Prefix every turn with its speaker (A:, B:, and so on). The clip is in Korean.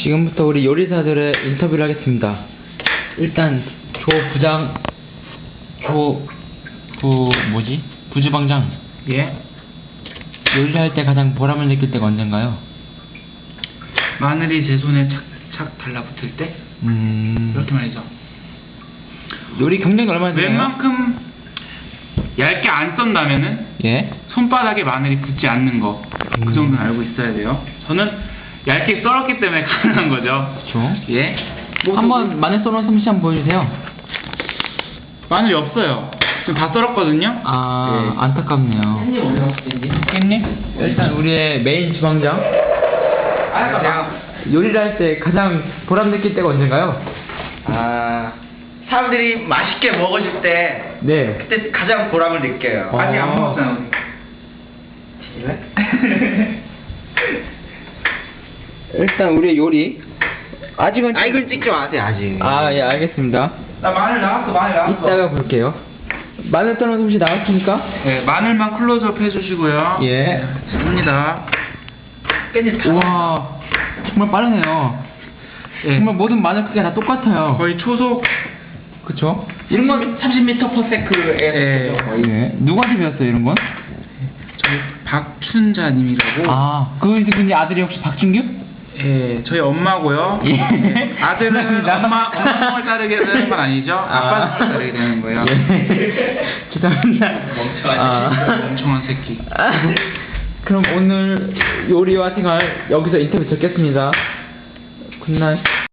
A: 지금부터 우리 요리사들의 인터뷰를 하겠습니다. 일단 부주방장.
B: 예?
A: 요리를 할 때 가장 보람을 느낄 때가 언젠가요?
B: 마늘이 제 손에 착착 달라붙을 때? 이렇게 말이죠.
A: 요리 경력이 얼마나 되나요?
B: 웬만큼 얇게 안 썬다면은
A: 예?
B: 손바닥에 마늘이 붙지 않는 거, 그 정도는 알고 있어야 돼요. 저는 얇게 썰었기 때문에 가능한 거죠.
A: 그쵸.
B: 예?
A: 한번 마늘 썰어놓은 솜씨 한번 보여주세요.
B: 마늘이 없어요. 지금 다 썰었거든요.
A: 아,
B: 예.
A: 안타깝네요.
B: 깻잎?
A: 일단 우리의 메인 주방장. 요리를 할 때 가장 보람 느낄 때가 언젠가요?
C: 사람들이 맛있게 먹어줄 때
A: 네.
C: 그때 가장 보람을 느껴요. 아직 안 먹었잖아.
A: 일단 우리의 요리. 아직은
C: 이걸 찍지 마세요 아직.
A: 아, 예, 알겠습니다.
C: 나 마늘 나왔어.
A: 이따가 볼게요. 마늘 썰어놓은 솜씨 나왔습니까?
B: 네, 마늘만 클로즈업 해주시고요.
A: 예.
B: 습니다.
C: 깻잎 다.
A: 우와, 정말 빠르네요.
B: 예.
A: 정말 모든 마늘 크기가 다 똑같아요.
B: 거의 초속.
A: 그쵸? 이런 건
C: 30m/s에
B: 예.
A: 예. 누구한테 배웠어요, 이런 건?
B: 저희 박춘자님이라고.
A: 아, 그분이 아들이 혹시 박준규?
B: 예, 저희 엄마고요.
A: 예.
B: 아들은
A: 죄송합니다.
B: 엄마 똥을 자르게 되는 건 아니죠. 아빠 똥을 자르게 되는 거예요.
A: 예. 죄송합니다.
B: 멍청한 새끼.
A: 그럼 오늘 요리와 생활 여기서 인터뷰 듣겠습니다. 굿나잇.